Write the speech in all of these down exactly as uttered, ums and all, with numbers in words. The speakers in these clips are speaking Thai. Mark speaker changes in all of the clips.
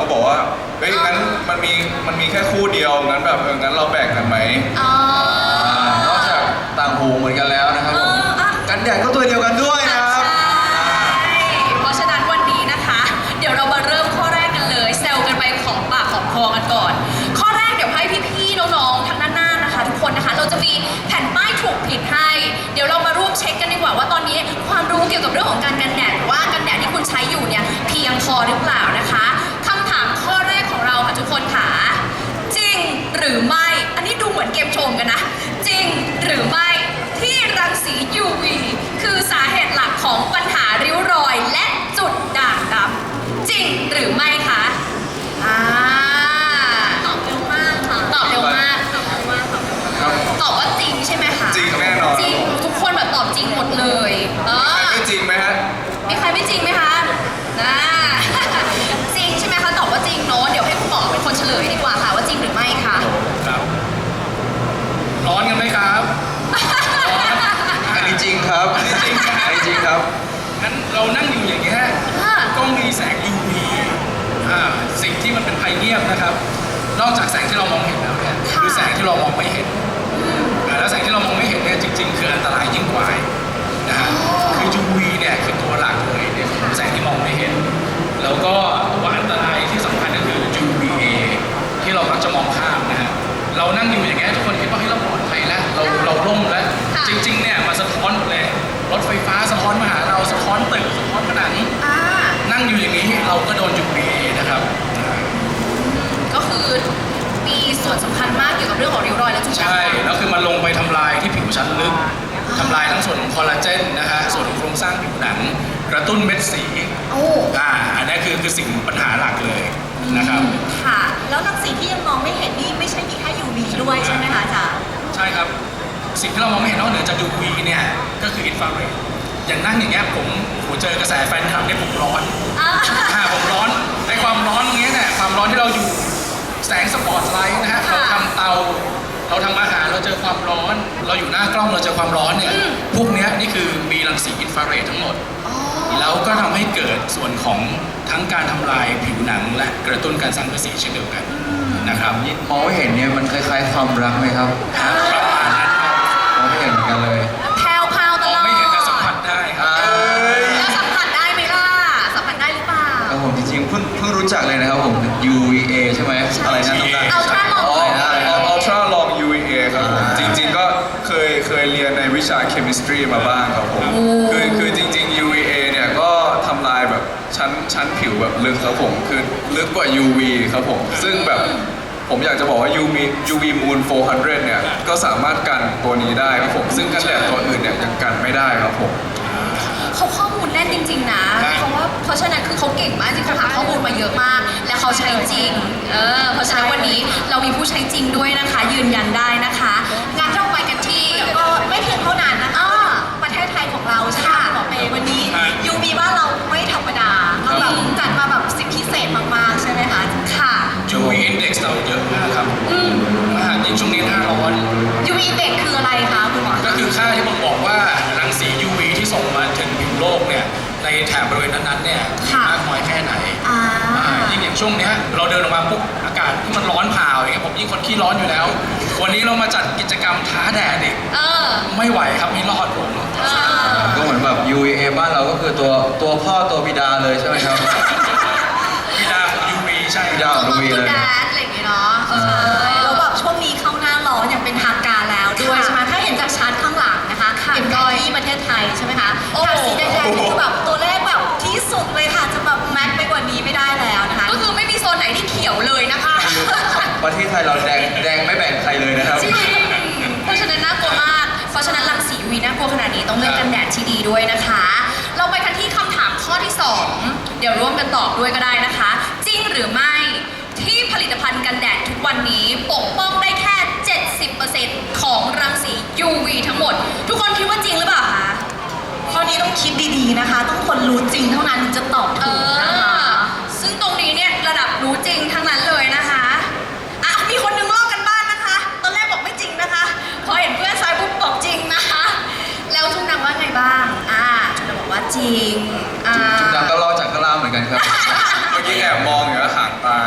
Speaker 1: ก็บอกว่าเฮ้ยงั้นมันมีมันมีแค่คู่เดียวงั้นแบบเอองั้นเราแบ่งกันไหม
Speaker 2: นอกจากต่างหูเหมือนกันแล้วนะครับผมกันแดดก็ตัวเดียวกันด้วยนะครับ
Speaker 3: เพราะฉะนั้นวันนี้นะคะเดี๋ยวเรามาเริ่มข้อแรกกันเลยเซลกันไปของปากของคอกันก่อนข้อแรกเดี๋ยวให้พี่ๆน้องๆทางด้านหน้านะคะทุกคนนะคะเราจะมีแผ่นป้ายถูกผิดให้เดี๋ยวเรามาร่วมเช็คกันดีกว่าว่าตอนนี้ความรู้เกี่ยวกับเรื่องของการกันแดดว่ากันแดดที่คุณใช้อยู่เนี่ยเพียงพอหรือเปล่านะคะคำถามข้อแรกของเราค่ะทุกคนค่ะจริงหรือไม่อันนี้ดูเหมือนเกมโชว์กันนะจริงหรือไม่ที่รังสี ยู วี คือสาเหตุหลักของปัญหาริ้วรอยและจุดด่างดำจริงหรือไม่คะอ่าตอบเร็วมากค่ะตอบเร็วมากตอบเร็วมากตอบว่าจริงใช่ไหมคะ
Speaker 1: จริงแน่นอน
Speaker 3: จริงทุกคนแบบตอบจริงหมดเลยเออ
Speaker 1: ไม่จริงไหมฮะ
Speaker 3: มีใครไม่จริงไหมคะนะจริงใช่ไหมคะตอบว่าจริงเนาะเดี๋ยวให้คุณหมอเป็นคนเฉลยดีกว่าค่ะว่าจริงหรือไม่คะ
Speaker 4: ครับร้อนกันไหมครับ
Speaker 2: อันนี้จริงครับ
Speaker 4: อันนี้จริงครับ
Speaker 2: อันนี้จริงครับ
Speaker 4: งั้นเรานั่งอยู่อย่างเงี้ยก็มีแสง ยู วี อ่าสิ่งที่มันเป็นภัยเงียบนะครับ นอกจากแสงที่เรามองเห็นแล้วเนี่ยคือแสงที่เรามองไม่เห็นแล้วแสงที่เรามองไม่เห็นเนี่ยจริงๆคืออันตรายยิ่งกว่านะฮะคือ ยู วี เนี่ยคือตัวหลักเลยเนี่ยแสงที่มองไม่เห็นแล้วก็ตัวอันตรายที่สำคัญก็คือ ยู วี เอ ที่เรามักจะมองข้ามนะฮะเรานั่งอยู่อย่างเงี้ยทุกคนคิดว่าเฮ้ยเราปลอดภัยแล้วเราเราร่มแล้วจริงๆเนี่ยมาสะท้อนหมดเลยรถไฟฟ้าสะท้อนมาหาเราสะท้อนตึกสะท้อนผนังนั่งอยู่อย่างนี้เราก็โดน ยู วี เอ นะครับ
Speaker 3: ก็คือมีส่วนสำคัญมากเกี่ยวกับเรื่องของริ้วรอยและจุดด่างดำ
Speaker 4: ใช่แล้วคือมันลงไปทำลายที่ผิวชั้นลึกทำลายทั้งส่วนของคอลลาเจนนะฮะส่วนของโครงสร้างผิวหนังกระตุ้นเม็ดสี
Speaker 3: โอ้
Speaker 4: อ่าอันนี้คือคือสิ่งปัญหาหลักเลยนะครับ
Speaker 3: ค่ะแล้วรังสีที่ยังมองไม่เห็นนี่ไม่ใช่มีแค่ ยู วี ด้วยใช่ไหมคะอาจารย์
Speaker 4: ใช่ครับสิ่งที่เรามองไม่เห็นนอกเหนือจาก ยู วี เนี่ยก็คืออินฟราเรดอย่างนั่งอย่างเงี้ยผมผมเจอกระแสแฟนคลับเนี่ยผมร้อนอ่าผมร้อนไอความร้อนตรงนี้เนี่ยความร้อนที่เราอยู่แสงสปอตไลท์นะฮะเราทำเตาเราทำอาหารเราเจอความร้อนเราอยู่หน้ากล้องเราเจอความร้อนเนี่ยพวกนี้นี่คือมีรังสีอินฟราเรดทั้งหมดแล้วก็ทำให้เกิดส่วนของทั้งการทำลายผิวหนังและกระตุ้นการสร้างกระสีเช่นเดียวกันนะครับ
Speaker 2: มองไม่เห็นเนี่ยมันคล้ายๆความรักไหมครับ
Speaker 4: ประมาณนั้น
Speaker 2: มองไม่เห็นเหมือนกันเลย
Speaker 3: แผ่วๆตลอด
Speaker 4: ไม่เห็นแต่สัมผัสได้ครับ
Speaker 3: แล้วสัมผัสได้ไหมล่ะสัมผัสได้หรือเปล่า
Speaker 2: ครับผมจริงๆเพิ่งเพิ่งรู้จักเลยนะครับผม ยู วี เอ ใช่ไหมอะไรนะน้อง
Speaker 3: อัลตร้าลอง
Speaker 1: อะไรนะอัลตร้าลอง ยู วี เอ ครับผมจริงๆก็เคยเคยเรียนในวิชาเคมิสตรีมาบ้างครับผมคือคือจริงๆ ยู วี เอ เนี่ยก็ทำลายแบบชั้นชั้นผิวแบบลึกครับผมคือลึกกว่า ยู วี ครับผมซึ่งแบบผมอยากจะบอกว่า ยู วี ยู วี Moon โฟร์ฮันเดรดเนี่ยก็สามารถกันตัวนี้ได้ครับผมซึ่งกันแดดตัวอื่นเนี่ยยังกันไม่ได้ครับผม
Speaker 3: เขาข้อมูลแน่นจริงๆนะเพราะว่าเพราะฉะนั้นคือเขาเก่งมากจริงๆหาข้อมูลมาเยอะมากและเขาใช้จริงเออเพราะฉะนั้นวันนี้เรามีผู้ใช้จริงด้วยนะคะยืนยันได้นะคะงั้นเราไปกันที่ก็ไม่เพียงเท่านั้นนะคะประเทศไทยของเราใช่ไหมหมอเปวันนี้ ยู วี บ้านเราไม่ธรรมดาเราแบบจัดมาแบบสิบพิเศษมากๆใช่ไหมคะค่ะ
Speaker 4: ยู วี Index เราเยอะมากครับอืมยิ่งช่วงนี้หน้าร้อน
Speaker 3: ยู วี Index คืออะไรคะคุณหมอ
Speaker 4: ก็คือค่าที่ผมบอกว่ารังสี ยู วี ที่ส่งมาถึงผิวโลกเนี่ยในแถบบริเวณนั้นๆเนี่ยมากน้อยแค่ไหนยิ่งอย่างช่วงนี้เราเดินออกมาปุ๊บอากาศที่มันร้อนผ่าอย่างเงี้ยผมยิ่งคนขี้ร้อนอยู่แล้ววันนี้เรามาจัดกิจกรรมท้าแดดอีกไม่ไหวครับไม่รอดผม
Speaker 2: ก็เหมือนแบบ ยู วี เอ บ้านเราก็คือตัวตัวพ่อตัวบิดาเลยใช่ไหมครับ
Speaker 4: บิดาของ ยู วี ใช่
Speaker 2: บิดาของ ยู วี เลย
Speaker 3: อะไรอย่างเงี้ยเนาะแล้วแบบช่วงนี้เข้าหน้าร้อนอย่างเป็นทางการแล้วด้วยใช่ไหมถ้าเห็นจากชาร์ตข้างหลังนะคะเห็นรอยที่ประเทศไทยใช่ไหมคะแถบสีแดงๆนี่คือแบบตัวเลขแบบที่สุดเลยค่ะจะแบบแม็กไปกว่านี้ไม่ได้แล้วนะคะก็คือไม่มีโซนไหนที่เขียวเลยนะคะ
Speaker 2: ประเทศไทยเราแดงแดงไม่แบ่งใครเลยนะครับ
Speaker 3: จริงเพราะฉะนั้นน่ากลัวมากเพราะฉะนั้นรังสี ยู วี น่ากลัวขนาดนี้ต้องเลือกกันแดดที่ดีด้วยนะคะเราไปกันที่คำถามข้อที่สองเดี๋ยวร่วมกันตอบด้วยก็ได้นะคะจริงหรือไม่ที่ผลิตภัณฑ์กันแดดทุกวันนี้ปกป้องได้แค่ เจ็ดสิบเปอร์เซ็นต์ ของรังสี ยู วี ทั้งหมดทุกคนคิดว่าจริงหรือเปล่าคะข้อนี้ต้องคิดดีๆนะคะต้องคนรู้จริงเท่านั้นจะตอบถูกนะคะซึ่งตรงนี้เนี่ยระดับรู้จริงทั้งนั้นเลยนะคะอ่ะมีคนนึงลอกกันบ้านนะคะตอนแรกบอกไม่จริงนะคะพอเห็นเพื่อนซ้ายปุ๊บบอกจริงนะคะแล้วทุกนางว่าไงบ้างอ่าทุกนางบอกว่าจริงอ่า
Speaker 2: ทุกนางก็ลอกจากข้างล่างเหมือนกันครับ
Speaker 1: เมื่อกี้แอบมองอยู่แล้วหางตา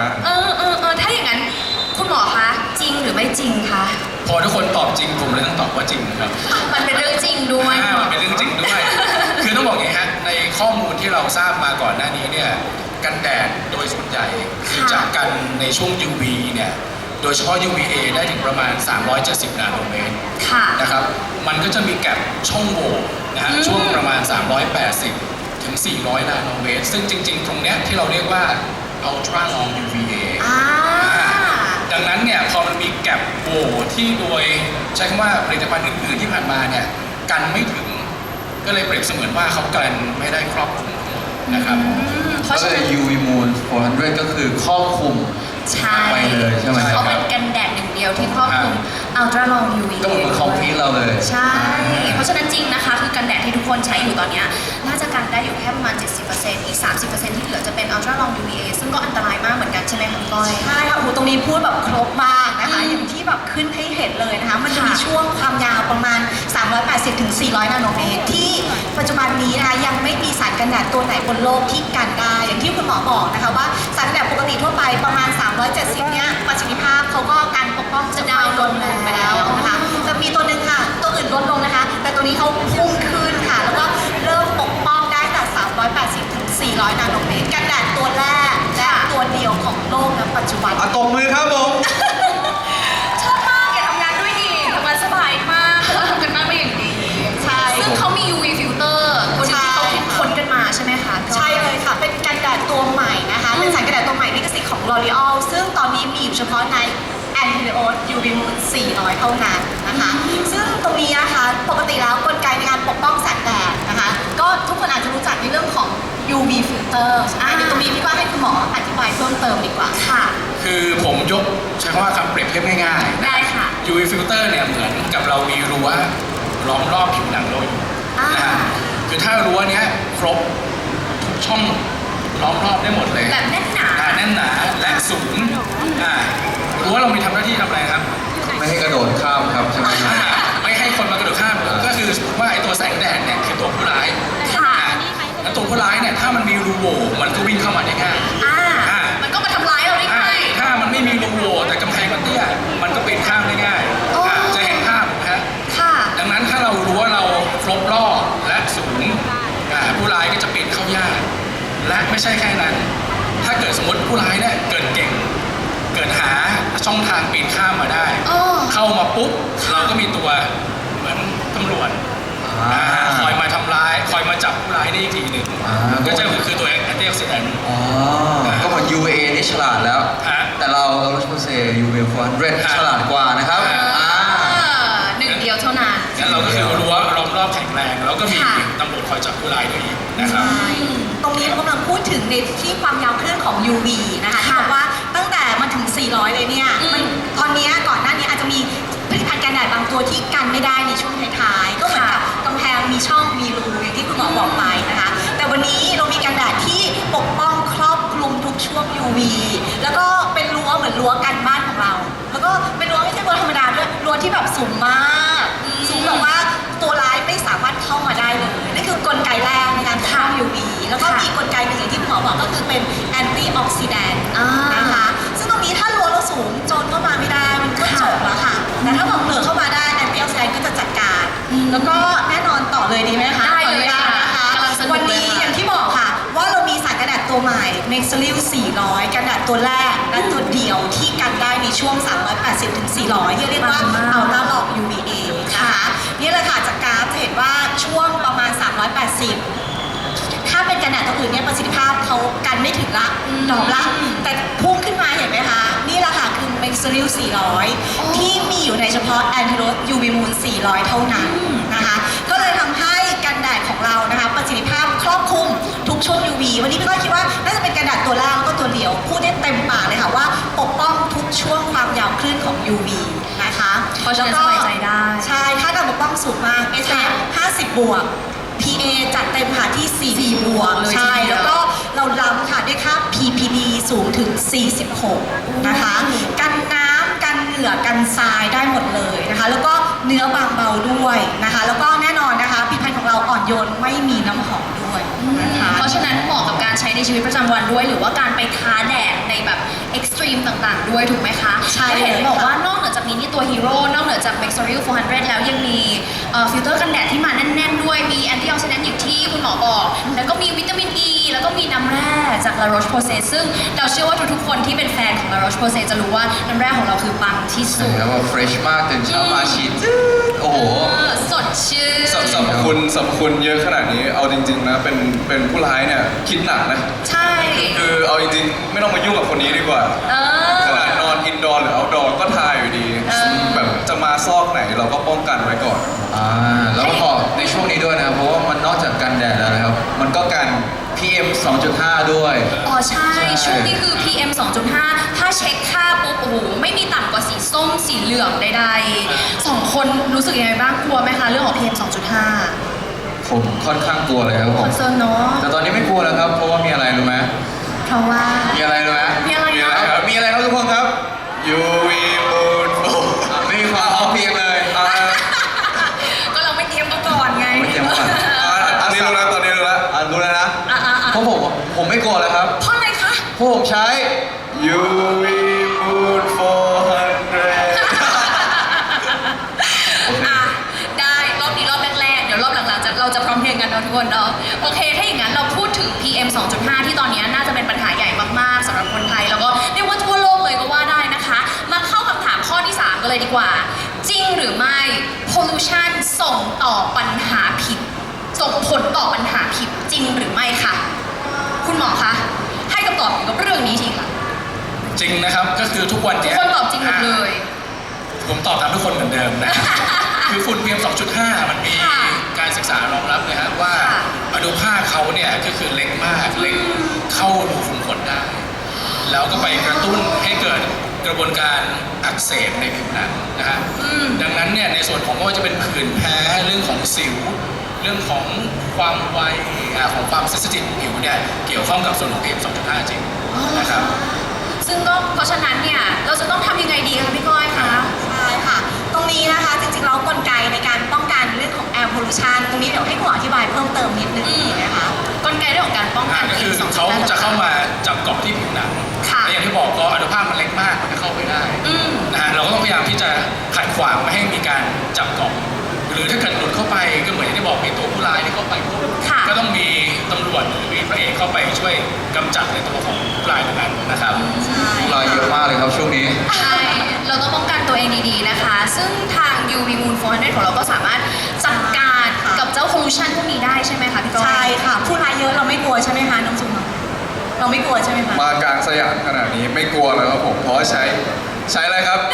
Speaker 3: หรือไม่จริงคะ
Speaker 4: พอทุกคนตอบจริงผมเลยต้องตอบว่าจริงนะครับ
Speaker 3: มันเป็นเรื่องจริงด้วย
Speaker 4: อ่ามันเป็นเรื่องจริงด้วย คือต้องบอกอย่างนี้ฮะในข้อมูลที่เราทราบมาก่อนหน้านี้เนี่ยกันแดดโดยส่วนใหญ่คือจากกันในช่วง ยู วี เนี่ยโดยเฉพาะ ยู วี เอ ได้ถึงประมาณสามร้อยเจ็ดสิบนาโนเมตร
Speaker 3: ค่ะ
Speaker 4: นะครับมันก็จะมีแกลบช่องโหว่นะฮะ
Speaker 3: อืม
Speaker 4: ช่วงประมาณสามร้อยแปดสิบถึงสี่ร้อยนาโนเมตรซึ่งจริง ๆ ตรงเนี้ยที่เราเรียกว่า ultra long ยู วี เอ
Speaker 3: อ่า
Speaker 4: ดังนั้นเนี่ยพอมันมีแกลบโหว่ที่โดยใช้คำว่าผลิตภัณฑ์อื่นๆที่ผ่านมาเนี่ยกันไม่ถึงก็เลยเปรียบเสมือนว่าเขากันไม่ได้ครอบคลุมทั้งหมดนะครับ
Speaker 3: เพ
Speaker 2: ก็
Speaker 3: ราะ
Speaker 2: เล
Speaker 3: ฉะ
Speaker 2: ย
Speaker 3: นั้น
Speaker 2: ยู วี Moon โฟร์ฮันเดรดก็คือครอบคลุม
Speaker 3: ใช่
Speaker 2: ไปเลยใช่ไหมค
Speaker 3: เขา
Speaker 2: รับ
Speaker 3: เป็นกันแดดหนึ่งเดียวที่ครอบคลุม ultra long ยู วี
Speaker 2: ก็เหมือนคอมพิวเราเลย
Speaker 3: ใช่ เพราะฉะนั้นจริงนะคะ คือกันแดดที่ทุกคนใช้อยู่ตอนเนี้ยน่าจะกันได้อยู่แค่ประมาณ เจ็ดสิบเปอร์เซ็นต์ อีก สามสิบเปอร์เซ็นต์ ที่เหลือจะเป็น ultra long ยู วี เอ ซึ่งก็อันตรายมากเหมือนกันใช่ไหมคะพี่ก้อย
Speaker 5: ใช่ค่ะโอ้โหตรงนี้พูดแบบครบมากนะคะ
Speaker 3: อืม
Speaker 5: อย่างที่แบบขึ้นให้เห็นเลยนะคะ มันจะมี
Speaker 3: ค่ะ
Speaker 5: ช่วงความยาวประมาณ สามร้อยแปดสิบถึงสี่ร้อย นาโนเมตร ที่ปัจจุบันนี้นะคะยังไม่มีสารกันแดดตัวไหนบนโลกที่กันได้ อย่างที่คุณหมอบอกนะคะว่าสารกันแดดปกติทั่วไปประมาณ สามร้อยเจ็ดสิบ เนี่ยประสิทธิภาพเขาก็การปกป้องจะดาวน์ลงไปแล้วนะคะแต่มีตัวหนึ่งค่ะ ตัวอื่นลดลงนะคะ แต่ตัวนี้เขาพุ่งขึ้นค่ะ แล้วก็เริ่มปกป้องได้แต่ สามร้อยแปดสิบถึงสี่ร้อย นาโนเมตร กันแดดตัวแรกและตัวเดียวของโลกณปัจจุบัน
Speaker 2: อะตบมือครับผม
Speaker 3: ชอบมากอยากทำงานด้วยอีกทำงานสบายมากเพราะว่าทำกันบ้านมาอย่างดี
Speaker 5: ใช่
Speaker 3: ซึ่งเขามี ยู วี filter คนที่เขาคิดค้นกันมาใช่ไหมคะ
Speaker 5: ใช่เลยค่ะ เป็นกันแดดตัวใหม่นะคะ เป็นสารกันแดดตัวใหม่ลิขสิทธิ์ของ L'Oreal ซึ่งตอนนี้มีอยู่เฉพาะใน Anti-Oat ยู วี Moon สี่ร้อย เท่านั้นนะคะ ซึ่งตรงนี้นะคะ ปกติแล้วกลไกในการปกป้องแสงแดดนะคะ ก็ทุกคนอาจจะรู้จักในเรื่องของ ยู วี filter อ่ะเดี๋ยวตรงนี้พี่ว่าให้คุณหมออธิบายเพิ่มเติมดีกว่า
Speaker 3: ค่ะ
Speaker 4: คือผมยกใช้คำว่าคำเปรียบเทียบง่ายๆ
Speaker 3: ได้ค่ะ
Speaker 4: ยู วี filter เนี่ยเหมือนกับเรามีรั้วล้อมรอบผิวหนังเราอยู่
Speaker 3: อ่าน
Speaker 4: นะฮะคือถ้ารั้วเนี้ยครบทุกช่องล้อมรอบได้หมดเลย
Speaker 3: แบบแน่นหนา
Speaker 4: อ่าแน่นหนาและสูงอ่ารั้วเรามีทำหน้าที่ทำอะไรครับ
Speaker 2: ไม่ให้กระโดดข้ามครับใช่ไหมครับ
Speaker 4: อ่าไม่ให้คนมากระโดดข้าม
Speaker 2: อ่า
Speaker 4: ก็คือสมมติว่าไอ้ตัวแสงแดดเนี่ยคือตัวผู้ร้าย
Speaker 3: ค่ะ
Speaker 4: อ่าแล้วตัวผู้ร้ายเนี่ยถ้ามันมีรูโหว่มันก็วิ่งเข้ามาได้ง่าย
Speaker 3: อ่า
Speaker 4: อ่า
Speaker 3: มันก็มาทำร้ายเราได้
Speaker 4: อ่า
Speaker 3: ง่าย
Speaker 4: ถ้ามันไม่มีรูโหว่แต่กำแพงมันเตี้ยมันก็ปีนข้ามได้ง่าย
Speaker 3: อ๋ออ่
Speaker 4: าจะเห็นภาพนะฮะ
Speaker 3: ค่ะ
Speaker 4: ดังนั้นถ้าเรารู้ว่าเราครบรอบและสูงอ่าผู้ร้ายก็จะปีนเข้ายากและไม่ใช่แค่นั้น ถ้าเกิดสมมติผู้ร้ายเนี่ยเกิดเก่ง เกิดหาช่องทางปีนข้ามมาได้
Speaker 3: อ๋อ
Speaker 4: เข้ามาปุ๊บเราก็มีตัวเหมือนตำรวจ
Speaker 2: อ่า
Speaker 4: อ่าคอยมาทำร้าย คอยมาจับผู้ร้ายได้อีกทีหนึ่ง
Speaker 2: อ่า
Speaker 4: ก็จะคือตัวแอนตี้ออกซิแดนต์
Speaker 2: อ๋อ ก็เหมือน ยู วี เอ นี่ฉลาดแล้ว
Speaker 4: ฮะ
Speaker 2: แต่เราเรารู้สึกเซ ยู วี โฟร์ฮันเดรด
Speaker 4: ฮะ
Speaker 2: ฉลาดกว่านะครับ
Speaker 4: ฮะ
Speaker 2: อ่า
Speaker 3: หนึ่งเดียวเท่านั้น
Speaker 4: งั้นเราก็คือรั้วล้อมรอบแข็งแรง แล้วก็มี
Speaker 3: ค่ะ
Speaker 4: ตำรวจคอยจับผู้ร้ายด้วยอีกนะครับ
Speaker 5: ตรงนี้เรากำลังพูดถึงในที่ความยาวคลื่นของ ยู วี นะคะที่
Speaker 3: ค่ะ
Speaker 5: บอกว่าตั้งแต่มาถึง สี่ร้อย เลยเนี่ย
Speaker 3: อืม
Speaker 5: มันตอนเนี้ยก่อนหน้านี้อาจจะมีผลิตภัณฑ์กันแดดบางตัวที่กันไม่ได้ในช่วงท้ายๆ ก็เหมือนกับกำแพงมีช่องมีรูอย่างที่คุณหมอบอกไปนะคะ แต่วันนี้เรามีกันแดดที่ปกป้องครอบคลุมทุกช่วง ยู วี แล้วก็เป็นรั้วเหมือนรั้วกันบ้านของเรา แล้วก็เป็นรั้วไม่ใช่รั้วธรรมดาด้วยรั้วที่แบบสูงมาก สูงแบบว่าตัวร้ายไม่สามารถเข้ามาได้เลยนั่นคือกลไกแรกในการฆ่า ยู วี แล้วก็
Speaker 3: ค่ะ
Speaker 5: มีกลไกหนึ่งอย่างที่คุณหมอบอกก็คือเป็นแอนตี้ออกซิแดนต์
Speaker 3: อ่าน
Speaker 5: นะคะ ซึ่งตรงนี้ถ้ารั้วเราสูงโจรเข้ามาไม่ได้มันก็จบแล้วค่ะ แต่ถ้าบอกเหลือเข้ามาได้แอนตี้ออกซิแดนต์ก็จะจัดการ
Speaker 3: อืม
Speaker 5: แล้วก็แน่นอนต่อเลยดีไหมคะ
Speaker 3: ได้เลยค่ะ
Speaker 5: ขออนุญาตนะคะ
Speaker 3: กำลังสนุก
Speaker 5: วัน
Speaker 3: เลย
Speaker 5: นี้
Speaker 3: ค่ะ
Speaker 5: อย่างที่บอกค่ะ ว่าเรามีสารกันแดดตัวใหม่ Mexilil สี่ร้อย กันแดดตัวแรกและตัวเดียวที่กันได้ในช่วง สามร้อยแปดสิบถึงสี่ร้อย ที่เรียกว่า Ultra Long ยู วี เอ นะคะนี่เลยค่ะจากกราฟจะเห็นว่าช่วงประมาณ สามร้อยแปดสิบ ถ้าเป็นกันแดดตัวอื่นเนี่ยประสิทธิภาพเขากันไม่ถึงละ
Speaker 3: อืม
Speaker 5: ดอกละ แต่พุ่งขึ้นมาเห็นไหมคะ นี่แหละค่ะคือ Mexilil สี่ร้อย
Speaker 3: อ๋อ
Speaker 5: ที่มีอยู่ในเฉพาะ Anti-Oat ยู วี Moon สี่ร้อย เท่านั้นนะคะ ก็เลยทำให้กันแดดของเรานะคะประสิทธิภาพครอบคลุมทุกช่วง ยู วี วันนี้พี่ก็คิดว่าน่าจะเป็นกันแดดตัวแรกแล้วก็ตัวเดียวพูดได้เต็มปากเลยค่ะว่าปกป้องทุกช่วงความยาวคลื่นของ ยู วี นะคะ
Speaker 3: เพราะฉะนั้น
Speaker 5: แล้วก็
Speaker 3: สบายใจได้
Speaker 5: ใช่ค่าการปกป้องสูงมาก เอส พี เอฟ ห้าสิบ บวก พี เอ จัดเต็มค่ะที่ สี่ บวก
Speaker 3: เลย
Speaker 5: ใช่
Speaker 3: ทีเดียว
Speaker 5: แล้วก็เราล้ำค่ะด้วยค่า พี พี ดี สูงถึง สี่สิบหก นะคะ กันน้ำกันเหงื่อกันทรายได้หมดเลยนะคะ แล้วก็เนื้อบางเบาด้วยนะคะ แล้วก็แน่นอนนะคะผลิตภัณฑ์ของเราอ่อนโยนไม่มีน้ำหอมด้วยนะคะ
Speaker 3: เพราะฉะนั้นเหมาะกับการใช้ในชีวิตประจำวันด้วย หรือว่าการไปท้าแดดในแบบเอ็กซ์ตรีมต่างๆด้วยด้วยถูกไหมคะ
Speaker 5: ใช่
Speaker 3: แล้วเห็น
Speaker 5: เลย
Speaker 3: บอก
Speaker 5: ค่ะ
Speaker 3: ว่านอกเหนือจากมินิตัวฮีโร่นอกเหนือจาก Max Ariel โฟร์ฮันเดรด แล้วยังมีเอ่อฟิลเตอร์กันแดดที่มาแน่นๆด้วยมีแอนตี้ออกซิแดนต์อย่างที่คุณหมอบอก แล้วก็มีวิตามินอ e, ีแล้วก็มีน้ำแร่จาก La Roche-Posay ซึ่งเราเชื่อว่าทุกๆคนที่เป็นแฟนของ La Roche-Posay จะรู้ว่าน้ำแร่ของเราคือปังที่สุด
Speaker 2: แล้วก็เฟรชมากตื่นเช้ามาฉีดจืดโอ้โห
Speaker 3: เออสดชื่น
Speaker 1: สรรพสรรพคุณสรรพคุณเยอะขนาดนี้เอาจริงๆนะเป็นเป็นผู้ร้ายเนี่ยคิดหนักนะ
Speaker 3: ใช่
Speaker 1: คือเอาจริงๆไม่ต้องมายุ่งกับคนนี้ดีกว่า
Speaker 3: เออ
Speaker 1: ขนาดนอนอินดอร์หรือเอาดอร์ก็ทายอยู่ดี
Speaker 3: เออ
Speaker 1: แบบจะมาซอกไหนเราก็ป้องกันไว้ก่อน
Speaker 2: อ่าแล้วก็บอกในช่วงนี้ด้วยนะครับเพราะว่ามันนอกจากกันแดดแล้วนะครับ มันก็กัน พี เอ็ม สองจุดห้า ด้วย
Speaker 3: อ๋อใช่
Speaker 2: ใช่
Speaker 3: ช่วงนี้คือ พี เอ็ม สองจุดห้า ถ้าเช็คค่าปุ๊บโอ้โหไม่มีต่ำกว่าสีส้มสีเหลืองใดๆสองคนรู้สึกยังไงบ้างกลัวไหมคะเรื่องของ พี เอ็ม สองจุดห้า
Speaker 2: ผมค่อนข้างกลัวเลยครับผ
Speaker 3: คอ
Speaker 2: ม
Speaker 3: นเซิร์นเนาะ
Speaker 2: แต่ตอนนี้ไม่กลัวแล้วครับ เพราะว่ามีอะไรรู้ไหม
Speaker 3: เพราะว่า
Speaker 2: มีอะไรรู้ไหม
Speaker 3: มีอะไร
Speaker 1: มีอะไร
Speaker 3: นะ
Speaker 1: ครับ
Speaker 2: มีอะไรครับทุกคนครับ
Speaker 1: ยู วี Moon โอ้
Speaker 2: อ่ะไม่มีความพอเพียงเลย
Speaker 1: อ่า
Speaker 3: ก็เราไม่เตรียมกันก่อนไง
Speaker 2: ไม่เตรียมก่อน
Speaker 1: อ่าอันนี้รู้แล้วตอนนี้รู้แล้ว
Speaker 2: อ่ะรู้แล้วนะ
Speaker 3: อ่ะอ่ะอ่ะ
Speaker 2: เพราะผมผมไม่กลัวแล้วครับ
Speaker 3: เพราะอะไรคะ
Speaker 2: เพราะผมใช้
Speaker 1: ยู วี Moon โฟร์ฮันเดรด
Speaker 3: อ่ะได้รอบนี้รอบแรกๆเดี๋ยวรอบหลังๆจะเราจะพร้อมเพรียงกันเนาะทุกคนเนาะโอเคถ้าอย่างนั้นเราพูดถึง พี เอ็ม สองจุดห้า ที่ตอนนี้น่าจะเป็นปัญหาใหญ่มากๆสำหรับคนไทยแล้วก็เรียกว่าทั่วโลกเลยก็ว่าได้นะคะ มาเข้าคำถามข้อที่สามกันเลยดีกว่า จริงหรือไม่ pollution ส่งต่อปัญหาผิด ส่งผลต่อปัญหาผิดจริงหรือไม่คะคุณหมอคะให้คำตอบเกี่ยวกับเรื่องนี้ทีค่ะ
Speaker 4: จริงนะครับ ก็คือทุกวัน
Speaker 3: ทุก
Speaker 4: เนี้ย
Speaker 3: คนตอบจริงหมดเลย
Speaker 4: ผมตอบตามทุกคนเหมือนเดิมนะ คือฝุ่น พี เอ็ม สองจุดห้า มันมี
Speaker 3: ค่ะ
Speaker 4: การศึกษารองรับเลยฮะว่า
Speaker 3: ค่ะ
Speaker 4: อนุภาคเขาเนี่ยก็คือเล็กมากเล็กเข้ารูขุมขนได้ แล้วก็ไปกระตุ้นให้เกิดกระบวนการอักเสบในผิวหนังนะฮะ
Speaker 3: อืม
Speaker 4: ดังนั้นเนี่ยในส่วนของไม่ว่าจะเป็นผื่นแพ้เรื่องของสิว เรื่องของความไวอ่าของความเซนซิทีฟของผิวเนี่ยเกี่ยวข้องกับส่วนของ พี เอ็ม สองจุดห้า จริง
Speaker 3: อ๋อเหรอ
Speaker 4: นะครับ
Speaker 3: ซึ่งก็เพราะฉะนั้นเนี่ยเราจะต้องทำยังไงดีคะพี่ก้อยคะ
Speaker 5: ใช่ค่ะ ตรงนี้นะคะจริงๆแล้วกลไกในการป้องกันเรื่องของ air pollution ตรงนี้เดี๋ยวให้คุณหมออธิบายเพิ่มเติมนิดนึงนะคะ
Speaker 3: กลไกเรื่องของการป้องกัน
Speaker 4: ก็คือ
Speaker 3: พี เอ็ม
Speaker 4: เขา
Speaker 3: สองจุดห้
Speaker 4: จะเข้ามาจับเกาะที่ผิวหนัง
Speaker 3: ค่ะ
Speaker 4: และอย่างที่บอกก็อนุภาคมันเล็กมากมันจะเข้าไปได้
Speaker 3: อืม
Speaker 4: นะฮะเราก็ต้องพยายามที่จะขัดขวางไม่ให้มีการจับเกาะหรือถ้าเกิดหลุดเข้าไปก็เหมือนที่บอกมีตัวผู้ร้ายที่เข้าไปปุ๊บ
Speaker 3: ค่ะ
Speaker 4: ก็ต้องมีตำรวจหรือมีพระเอกเข้าไปช่วยกำจัดในตัวของผู้ร้ายตรงนั้นนะครับ
Speaker 5: ใช่
Speaker 2: รอยเยอะมากเลยครับช่วงนี้
Speaker 3: ใช่เราต้องป้องกันตัวเองดีๆนะคะ ซึ่งทาง ยู วี Moon โฟร์ฮันเดรด ของเราก็สามารถจัดการกับเจ้า pollution พวกนี้ได้ใช่ไหมคะพี่ก้อย
Speaker 5: ใช่ค่ะ ผู้ร้ายเยอะเราไม่กลัวใช่ไหมคะน้องจุ๋มเราไม่กลัวใช่ไหมคะ
Speaker 1: มากลางสยามขนาดนี้ไม่กลัวแล้วครับผมเพราะว่าใช้ใช้อะไรครับ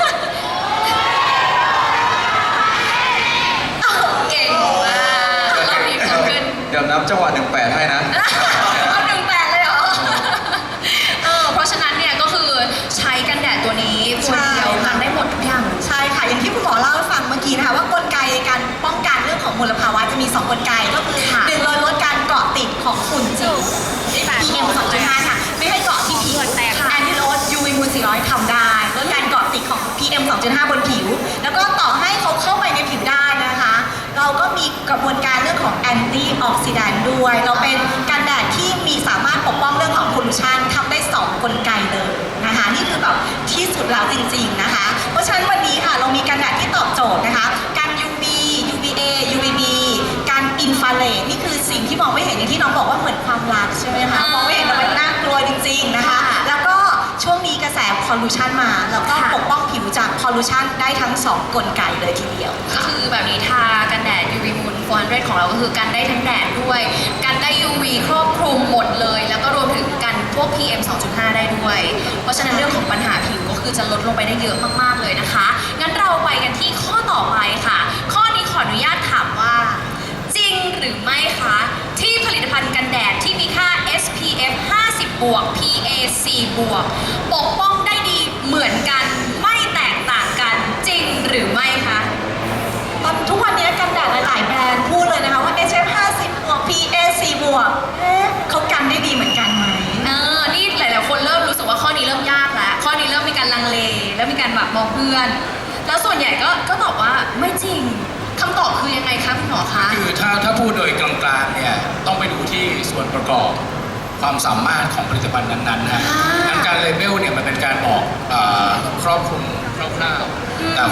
Speaker 3: เก่งมากรอบนี้เพิ่มขึ้น
Speaker 2: เดี๋ยวนับจังหวะหนึ่งแปดให้นะ
Speaker 3: เอาหนึ่งแปดเลยเหรอ เออ เพราะฉะนั้นเนี่ยก็คือใช้กันแดดตัวนี้ตัวเดียวกันได้หมดทุกอย่างเลย
Speaker 5: ใช่ค่ะ อย่างที่คุณหมอเล่าให้ฟังเมื่อกี้นะคะว่ากลไกในการป้องกันเรื่องของมลภาวะจะมีสองกลไกก็คือ
Speaker 3: ค่ะ
Speaker 5: หนึ่งเลยลดการเกาะติดของฝุ่นจิ๋ว พี เอ็ม สองจุดห้า ค่ะ ไม่ให้เกาะที่ผิว
Speaker 3: ค่ะ
Speaker 5: แอนติโรส ยู วี Moon สี่ร้อย ทำได้ลดการเกาะติดของ พี เอ็ม สองจุดห้า บนผิว แล้วก็ต่อให้เขาเข้าไปในผิวได้นะคะ เราก็มีกระบวนการเรื่องของแอนตี้ออกซิแดนต์ด้วย เราเป็นกันแดดที่มีสามารถปกป้องเรื่องของพ o ลูชันทำได้สองกลไกเลยนะคะ นี่คือแบบที่สุดแล้วจริงๆนะคะ เพราะฉะนั้นวันนี้ค่ะเรามีกันแดดที่ตอบโจทย์นะคะการ ยู วี ยู วี เอ ยู วี บี การอินฟราเรดนี่คือสิ่งที่มองไม่เห็นอย่างที่น้องบอกว่าเหมือนความรักใช่ไหมคะมองไม่เห็นแต่มันน่ากลัวจริงๆนะคะ แล้วก็ช่วงนี้กระแสพอลูชันมา แล้วก็ปกป้องผิวจากพอลูชันได้ทั้งสองกลไกเลยทีเดียว
Speaker 3: ก็คือแบบนี้ทากันแดด ยู วี Moon โฟร์ฮันเดรด ของเราก็คือกันได้ทั้งแดดด้วย กันได้ ยู วี ครอบคลุมหมดเลย แล้วก็รวมถึงกันพวก พี เอ็ม สองจุดห้า ได้ด้วย เพราะฉะนั้นเรื่องของปัญหาผิวก็คือจะลดลงไปได้เยอะมากๆเลยนะคะ งั้นเราไปกันที่ข้อต่อไปค่ะ ข้อนี้ขออนุญาตถามว่า จริงหรือไม่คะ ที่ผลิตภัณฑ์กันแดดที่มีค่า เอส พี เอฟ ห้าสิบ บวก พี เอ สี่ บวก ปกป้องได้ดีเหมือนกันไม่แตกต่างกันจริงหรือไม่คะ
Speaker 5: ตอนทุกวันนี้กันแดดหลายๆแบรนด์พูดเลยนะคะว่า เอช เอฟ ห้าสิบ บวก พี เอ สี่ บวกเอ๊ะเขากันได้ดีเหมือนกันไหม
Speaker 3: เออ นี่หลายๆคนเริ่มรู้สึกว่าข้อนี้เริ่มยากแล้ว ข้อนี้เริ่มมีการลังเล แล้วมีการแบบมองเพื่อน แล้วส่วนใหญ่ก็ก็ตอบว่าไม่จริง คำตอบคือยังไงคะคุณหมอคะ
Speaker 4: คือถ้าถ้าพูดโดยกลางๆเนี่ยต้องไปดูที่ส่วนประกอบความสามารถของผลิตภัณฑ์นั้นๆนะฮะ
Speaker 3: อ่า
Speaker 4: งั้นการเลเบลเนี่ยมันเป็นการบอกเอ่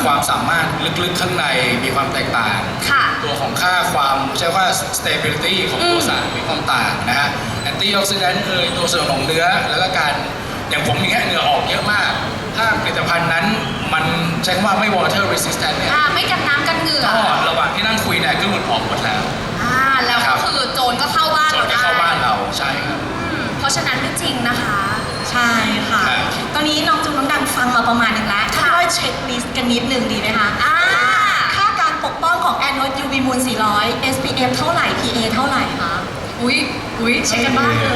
Speaker 4: ความสามารถลึกๆข้างในมีความแตกต่าง
Speaker 3: ค่ะ
Speaker 4: ตัวของค่าความใช้ว่า stability ของตัว
Speaker 3: อืม
Speaker 4: สารมีความต่างนะฮะ antioxidant เอยตัวส่วนของเนื้อแล้วก็การอย่างผมอย่างเงี้ยเหงื่อออกเยอะมาก ถ้าผลิตภัณฑ์นั้นมันใช้คำว่าไม่ water resistant เนี่ย
Speaker 3: อ่าไม่กันน้ำกันเหงื่อ
Speaker 4: ก็ระหว่างที่นั่งคุยเนี่ยก็หลุดออกหมดแล้ว
Speaker 3: อ่าแล้ว
Speaker 4: ครั
Speaker 3: ก็
Speaker 4: บ
Speaker 3: คือโจรก็เข้าบ้าน
Speaker 4: จ
Speaker 3: เรา
Speaker 4: น
Speaker 3: ได้
Speaker 4: จะเข้าบ้านเราใช่ครับ
Speaker 3: อืมเพราะฉะนั้นไม่จริงนะคะ
Speaker 5: ใช่ค่ะ
Speaker 4: ครับ
Speaker 5: ตอนนี้น้องจุงน้องดังฟังมาประมาณหนึงแล้วถ้า
Speaker 3: ค่ะ
Speaker 5: เราเช็คลิสต์กันนิดหนึ่งดีไหมคะ
Speaker 3: อ่า
Speaker 5: ค่าการปกป้องของ Anode ยู วี Moon สี่ร้อย เอส พี เอฟ เท่าไหร่ พี เอ เท่าไหร่คะ
Speaker 3: อุ้ยอุ้ยเช็คกันบ้างเลย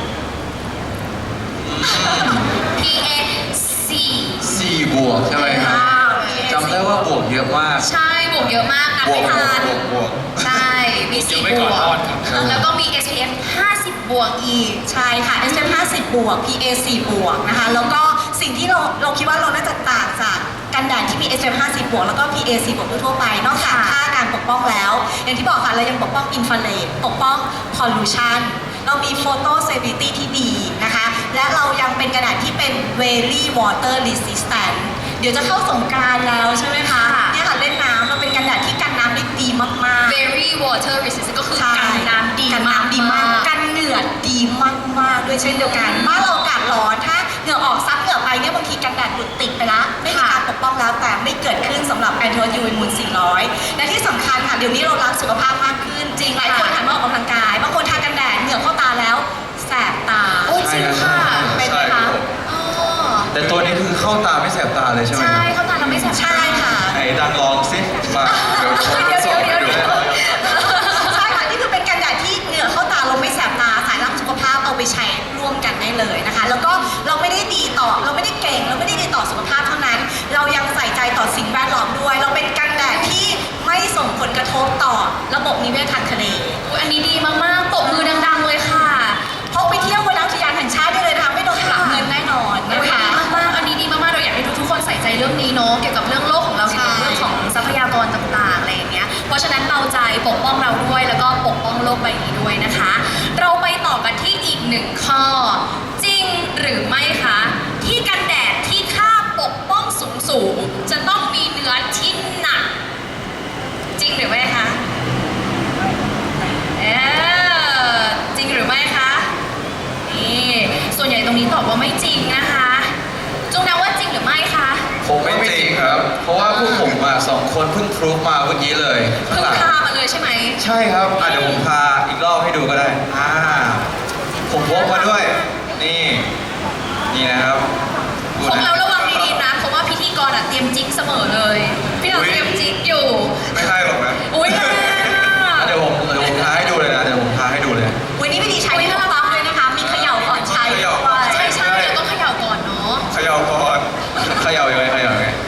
Speaker 3: พี เอ สี่
Speaker 2: สี่บวกใช่ไหมครับ
Speaker 5: ว้าว
Speaker 2: จำได้ว่าบวกเยอะมาก
Speaker 3: ใช่บวกเยอะมากนับบ
Speaker 1: ว
Speaker 3: ไม่
Speaker 1: กบว
Speaker 3: ทั
Speaker 1: ก
Speaker 3: น
Speaker 1: บวกบวก
Speaker 3: ใช่ มี
Speaker 4: เดี๋ยว
Speaker 3: สี่
Speaker 4: ไม่
Speaker 3: บ
Speaker 4: ก่อน
Speaker 3: วก
Speaker 4: ทอดครับ
Speaker 3: แล้วก็มี เอส พี เอฟ ห้าสิบ บวกอีก
Speaker 5: ใช่ค่ะ เอส พี เอฟ ห้าสิบ บวก พี เอ สี่ บวกนะคะ แล้วก็สิ่งที่เราเราคิดว่าเราน่าจะต่างจากกันแดดที่มี เอส พี เอฟ ห้าสิบ บวก แล้วก็ พี เอ สี่ บวกทั่วๆไป นอกจาก
Speaker 3: ค่ะ
Speaker 5: ค่าการปกป้องแล้ว อย่างที่บอกค่ะ เรายังปกป้องอินฟราเรดปกป้องพอลูชันเรามีโฟโตเซฟิตี้ที่ดีนะคะ และเรายังเป็นกระดาษที่เป็น very water resistant เดี๋ยวจะเข้าสงกรานต์แล้วใช่ไหมคะ
Speaker 3: ค่ะ
Speaker 5: เนี่ยค่ะเล่นน้ำเราเป็นกระดาษที่กันน้ำได้ดีมากๆ
Speaker 3: very water resistant ก็คือ
Speaker 5: ใช่
Speaker 3: กันน้ำดี
Speaker 5: กัน
Speaker 3: มาก
Speaker 5: น้ำดีมาก กันเหงื่อดีมากๆด้วยเช่นเดียวกันบ้านเราอากาศร้อนถ้าเหงื่อออกซับเหงื่อไปเนี่ยบางทีกันแดดหลุดติดไปละไม่มีการปกป้องแล้วแต่ไม่เกิดขึ้นสำหรับ Anode ยู วี Moon สี่ร้อย และที่สำคัญค่ะเดี๋ยวนี้เรารักสุขภาพมากขึ้น จริงหลายคนหันมาออกกำลังกายบางคนทากันแดดเหงื่อเข้าตาแล้วแสบตา
Speaker 3: โอ้ยจริงค่ะ
Speaker 5: เป็นไหม
Speaker 1: ใช่ครั
Speaker 5: คะ
Speaker 1: บ
Speaker 3: อ๋อ
Speaker 2: แต่ตัวนี้คือเข้าตาไม่แสบตาเลยใช่ไหม
Speaker 3: ใช่
Speaker 2: ครับ
Speaker 3: เข้าตาเราไม่แสบ
Speaker 5: ใช่ค่ะ
Speaker 2: ไหนดังลองสิ
Speaker 1: มาเดี๋ยวผม
Speaker 3: เดี๋ยว
Speaker 1: สอน
Speaker 3: เดี๋ยว
Speaker 1: ให้ดู
Speaker 3: เดี๋ยว
Speaker 5: ใช่ค่ะนี่คือเป็นกันแดดที่เหงื่อเข้าตาเราไม่แสบตาสายรักสุขภาพเอาไปใช้ร่วมกันได้เลยนะคะ แล้วก็เราไม่ได้ดีต่อเราไม่ได้เก่ง เราไม่ได้ดีต่อสุขภาพเท่านั้น เรายังใส่ใจต่อสิ่งแวดล้อมด้วย เราเป็นกันแดดที่ไม่ส่งผลกระทบต่อระบบนิเวศทางทะเล
Speaker 3: อุ๊ยอันนี้ดีมากๆตบมือดังๆเลยค่ะ
Speaker 5: พกไปเที่ยวบนน้ำอุทยานแห่งชาติได้เลยนะคะไม่โดนปรับเงินแน่นอน
Speaker 3: โอ้
Speaker 5: นะ
Speaker 3: ย
Speaker 5: คะ
Speaker 3: ดีมากๆอันนี้ดีมากๆเราอยากให้ทุกๆคนใส่ใจเรื่องนี้เนาะ เกี่ยวกับเรื่องโลกของเรา
Speaker 5: ใช่
Speaker 3: เกี่ยวกับเรื่องของทรัพยากรต่างๆ อะไรอย่างเงี้ย เพราะฉะนั้นเราใจปกป้องเราด้วย แล้วก็ปกป้องโลกใบนี้ด้วยนะคะ เราไปต่อกันที่อีกหนึ่งข้อ จริงหรือไม่คะ ที่กันแดดที่ค่าปกป้องสูงๆ จะต้องมีเนื้อที่หนัก จริงหรือไม่คะ เออจริงหรือไม่คะ นี่ส่วนใหญ่ตรงนี้ตอบว่าไม่จริงนะคะจุงนะว่าจริงหรือไม่คะ
Speaker 2: ผมไม่จริงครับ เพราะว่าพวกผมอ่ะสองคนเพิ่งพรูฟมาเมื่อกี้เลยข้าง
Speaker 3: เพิ่ง
Speaker 2: หลัง
Speaker 3: พามาเลยใช่ไหม
Speaker 2: ใช่ครับอ่ะเดี๋ยวผมพาอีกรอบให้ดูก็ได้ อ่า ผมพกมาด้วย นี่ นี่นะครับดู
Speaker 3: ของ
Speaker 2: นะ
Speaker 3: เราระวังดีๆนะ เพราะว่าพิธีกรอ่ะเตรียมจิ๊กเสมอเลย พี่เราเตรียมจิ๊กอยู่
Speaker 1: ไม่ให้หรอกนะ
Speaker 3: อุ้ยแรงอ่ะ
Speaker 2: อ่ะเดี๋ยวผมเดี๋ยวผมพาให้ดูเลยนะ เดี๋ยวผมพาให้ดูเลย
Speaker 5: วันนี้วิธีใช้ที่ถูกต้องด้วยนะคะ มีเขย่าก่อนใช้
Speaker 1: เขย่า
Speaker 5: ด้วย
Speaker 3: ใช่ใช่เราต้องเขย่าก่อนเนาะ
Speaker 1: เขย่าก่อน
Speaker 2: เขย่ายังไงเขย่ายังไง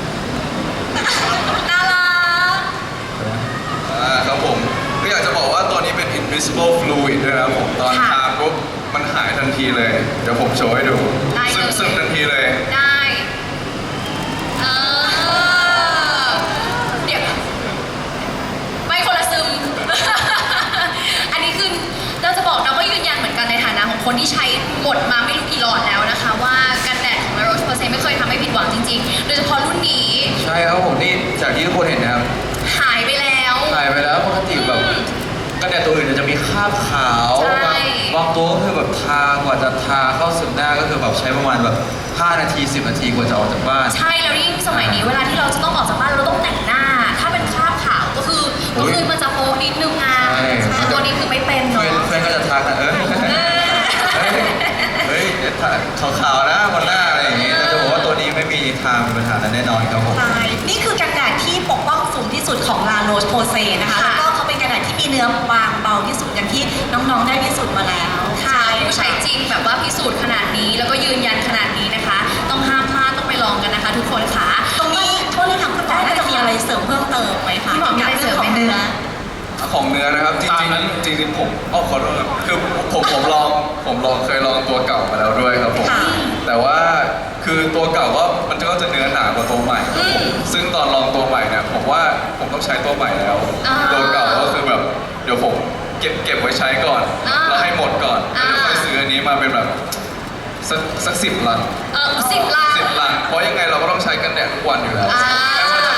Speaker 3: น่ารัก
Speaker 1: อ่าครับผมก็อยากจะบอกว่าตัวนี้เป็น invisible fluid ด้วยนะครับผมตอน
Speaker 3: ค่ะ
Speaker 1: ทาปุ๊บมันหายทันทีเลย เดี๋ยวผมโชว์ให้ดู
Speaker 3: ได้เลย
Speaker 1: ซึมซึมทันทีเลย
Speaker 3: ได้เออเดี๋ยวไม่คนละซึม อันนี้คือเราจะบอกนะว่ายืนยันเหมือนกันในฐานะของคนที่ใช้หมดมาไม่รู้กี่หลอดแล้วนะคะ ว่ากันแดดของ La Roche-Posay ไม่เคยทำให้ผิดหวังจริงๆ โดยเฉพาะรุ่นนี้
Speaker 2: ใช่ครับผมนี่จากที่ทุกคนเห็นนะครับ
Speaker 3: หายไปแล้ว
Speaker 2: ถ่ายไปแล้วปกติแบบกันแดดตัวอื่นเนี่ยจะมีคราบขาว
Speaker 3: ใช่
Speaker 2: บางบางตัวก็คือแบบทากว่าจะทาเข้าซึมหน้าก็คือแบบใช้ประมาณแบบห้านาทีสิบนาทีกว่าจะออกจากบ้าน
Speaker 3: ใช่แล้วยิ่งสมัยนี้เวลาที่เราจะต้องออกจากบ้านเราต้องแต่งหน้า ถ้าเป็นคราบขาวก็คือ
Speaker 2: โอ้
Speaker 3: ก็
Speaker 2: ย
Speaker 3: คือมันจะโป๊นิดนึงอ่ะ
Speaker 2: ใช่
Speaker 3: แต่ตัวนี้คือไม่เป็น
Speaker 2: เพื่
Speaker 3: เนาะ
Speaker 2: อนเพื่อนก็จะทักนะเออ
Speaker 3: เออ
Speaker 2: เฮ้ยเฮ้ยขาวๆนะบนหน้าอะไรอย่างงี้แต่จะบอกว่าตัวนี้ไม่มีทางมีปัญหานั้นแน่นอนครับผม
Speaker 5: ใช่นี่คือกันแดดที่ปกป้องสูงที่สุดของ La Roche-Posay นะคะ
Speaker 3: ค่ะ
Speaker 5: แล้วก็เขาเป็นกันแดดที่มีเนื้อบางเบาที่สุดอย่างที่น้องๆได้พิสูจน์มาแล้ว
Speaker 3: ค่ะผู้ใช้จริงแบบว่าพิสูจน์ขนาดนี้ แล้วก็ยืนยันขนาดนี้นะคะ ต้องห้ามพลาดต้องไปลองกันนะคะ ทุกคนค่ะ
Speaker 5: ตรงนี้โทษนะคะคุณหมอน่าจะมีอะไรเสริมเพิ่มเติมไหมคะ
Speaker 3: พี่หมอมีอะไรเสริมไหม
Speaker 5: กี่ยวกับเนื้อ
Speaker 1: ของเนื้อนะครับ จ
Speaker 4: ตาม
Speaker 1: ริง
Speaker 4: นั้น
Speaker 1: ๆจริงๆผมอ้อขอโทษครับคือผมผมลองผมลองเคยลองตัวเก่ามาแล้วด้วยครับผม
Speaker 5: ค่ะ
Speaker 1: แต่ว่าคือตัวเก่าก็มันก็จะเนื้อหนากว่าตัวใหม่ครับผมซึ่งตอนลองตัวใหม่เนี่ยผมว่าผมต้องใช้ตัวใหม่แล้ว
Speaker 3: อ่า
Speaker 1: ตัวเก่าก็คือแบบเดี๋ยวผมเก็บเก็บไว้ใช้ก่อน
Speaker 3: อ่า
Speaker 1: แล้วให้หมดก่อน
Speaker 3: อ่า
Speaker 1: แล้วค่อยซื้ออันนี้มาเป็นแบบสักสักสิบลัง
Speaker 3: เออสิบล้าน
Speaker 1: สิบลังเพราะยังไงเราก็ต้องใช้กันแดดทุกวันอยู่แล้ว
Speaker 3: อ่า
Speaker 1: ไม่ว่าจะ